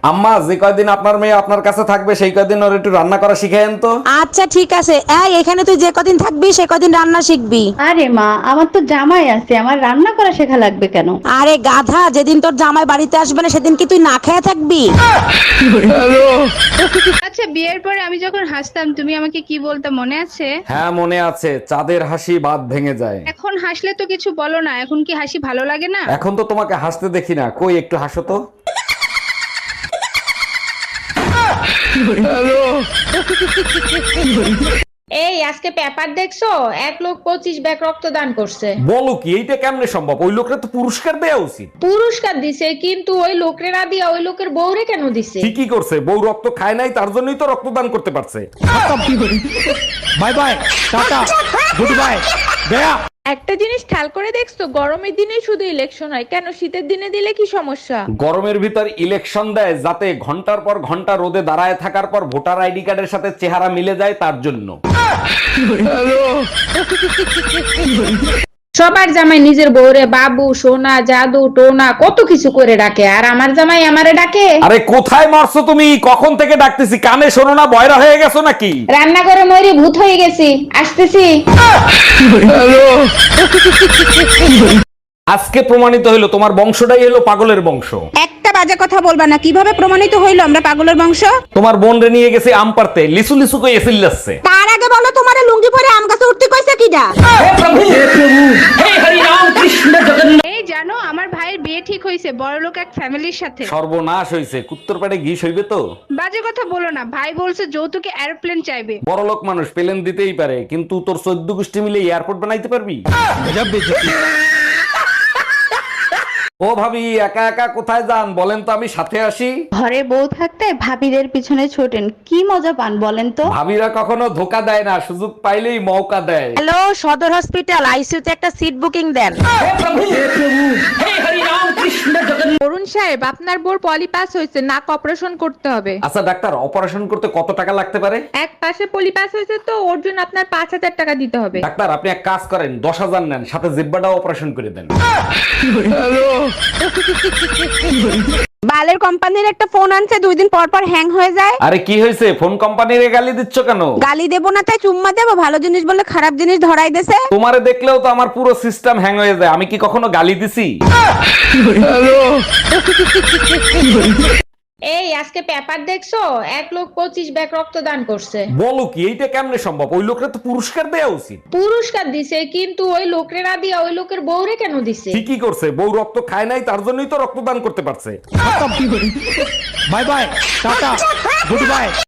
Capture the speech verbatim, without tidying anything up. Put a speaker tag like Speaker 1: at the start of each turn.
Speaker 1: আম্মা, যে কয়দিন আপনার মেয়ে আপনার কাছে থাকবে সেই কয়দিন ওর একটু রান্না করা শিখায়েন তো।
Speaker 2: আচ্ছা ঠিক আছে। এই এখানে তুই যে কদিন থাকবি সে কদিন রান্না শিখবি।
Speaker 3: আরে মা, আমার তো জামাই আছে, আমার রান্না করা শেখা লাগবে কেন?
Speaker 2: আরে গাধা, যেদিন তোর জামাই বাড়িতে আসবে না সেদিন কি তুই না খেয়ে থাকবি?
Speaker 4: আচ্ছা, বিয়ের পরে আমি যখন হাসতাম তুমি আমাকে কি বলতে মনে আছে?
Speaker 1: হ্যাঁ মনে আছে, চাঁদের হাসি বাদ ভেঙে যায়।
Speaker 4: এখন হাসলে তো কিছু বলো না, এখন কি হাসি ভালো লাগে না?
Speaker 1: এখন তো তোমাকে হাসতে দেখি না, কই একটু হাসো তো।
Speaker 5: এই আজকে পেপার দেখছো? এক লোক পঁচিশ ব্যাগ রক্তদান করছে।
Speaker 1: বলো কি, এইটা কেমনে সম্ভব? ওই লোকরা তো পুরস্কার দেওয়া উচিত।
Speaker 5: পুরস্কার দিছে, কিন্তু ওই লোকরে না দিয়া ওই লোকের বউরে কেন দিছে?
Speaker 1: ঠিকই করছে, বউ রক্ত খায় নাই তার জন্যই তো রক্তদান করতে পারছে।
Speaker 6: Bye bye, tata, good bye, গয়া।
Speaker 7: একটা জিনিস খেয়াল করে দেখছো, গরমের দিনে শুধু ইলেকশন হয় কেন, শীতের দিনে দিলে কি সমস্যা?
Speaker 1: গরমের ভিতর ইলেকশন দেয় যাতে ঘন্টার পর ঘন্টা রোদে দাঁড়ায় থাকার পর ভোটার আইডি কার্ডের সাথে চেহারা মিলে যায়, তার জন্য।
Speaker 5: সবার জামাই নিজের বউরে বাবু, সোনা, জাদু, টোনা কত কিছু করে ডাকে, আর আমার জামাই আমারে ডাকে।
Speaker 1: আরে কোথায় মরছো তুমি? কখন থেকে ডাকতেছি, কানে শোনো না? বয়রা হয়ে গেছো নাকি?
Speaker 5: রান্নাঘরে ময়ূরী ভূত হয়ে গেছি, আসতেছি।
Speaker 1: আজকে প্রমাণিত হলো তোমার বংশটাই হলো পাগলের বংশ।
Speaker 2: একটা বাজে কথা বলবা না। কিভাবে প্রমাণিত হইলো আমরা পাগলের বংশ?
Speaker 1: তোমার বোন রে নিয়ে গেছে আম পারতে, লিসু লিসু কই এসিল যাচ্ছে।
Speaker 2: তার আগে বলো, তোমার লুঙ্গি পরে আম গাছে উঠতে কইছে কিডা?
Speaker 4: এই জানো, আমার ভাইয়ের বিয়ে ঠিক হয়েছে বড়লোক এক ফ্যামিলির সাথে।
Speaker 1: সর্বনাশ হইছে, কুত্তর পেটে ঘি হইবে তো।
Speaker 4: বাজে কথা বলো না, ভাই বলছে যৌতুকে এরোপ্লেন চাইবে।
Speaker 1: বড়লোক মানুষ প্লেন দিতেই পারে, কিন্তু তোর চোদ্দ গোষ্ঠী মিলে এয়ারপোর্ট বানাইতে পারবি? ও ভাবি, একা একা কোথায় যান বলেন তো, আমি সাথে আসি।
Speaker 3: ঘরে বউ থাকতে ভাবিদের পিছনে ছোটেন, কি মজা পান বলেন তো?
Speaker 1: ভাবিরা কখনো ধোকা দেয় না, সুযোগ পাইলেই মৌকা দেয়।
Speaker 2: হ্যালো, সদর হসপিটাল, আইসিইউতে একটা সিট বুকিং দেন।
Speaker 7: অরুণ সাহেব, আপনার বোর পলিপাস হয়েছে, নাক অপারেশন করতে হবে।
Speaker 1: আচ্ছা ডাক্তার, অপারেশন করতে কত টাকা লাগতে পারে?
Speaker 7: এক পাশে পলিপাস হয়েছে তো ওর জন্য আপনার পাঁচ হাজার টাকা দিতে হবে।
Speaker 1: ডাক্তার আপনি এক কাজ করেন, দশ হাজার নেন, সাথে জিব্বাটাও অপারেশন করে দেন।
Speaker 2: বালের কোম্পানির একটা ফোন আনছে, দুই দিন পর পর হ্যাং হয়ে যায়।
Speaker 1: আরে কি হয়েছে? ফোন কোম্পানির গালি দিচ্ছ কেন?
Speaker 2: গালি দেবো না তাই চুম্মা দেবো? ভালো জিনিস বলে খারাপ জিনিস ধরাই দেছে।
Speaker 1: তোমারে দেখলেও তো আমার পুরো সিস্টেম হ্যাং হয়ে যায়, আমি কি কখনো গালি দিছি?
Speaker 5: এই আজকে পেপার দেখছো? এক লোক পঁচিশ ব্যাগ রক্তদান করছে।
Speaker 1: বলো কি, এইটা কেমনে সম্ভব? ওই লোকরা তো পুরস্কার দেওয়া উচিত।
Speaker 5: পুরস্কার দিছে, কিন্তু ওই লোকরে না দিয়া ওই লোকের বউরে কেন দিছে?
Speaker 1: ঠিকই করছে, বউ রক্ত খায় নাই তার জন্যই তো রক্তদান করতে পারছে।
Speaker 6: Bye bye, tata, good by.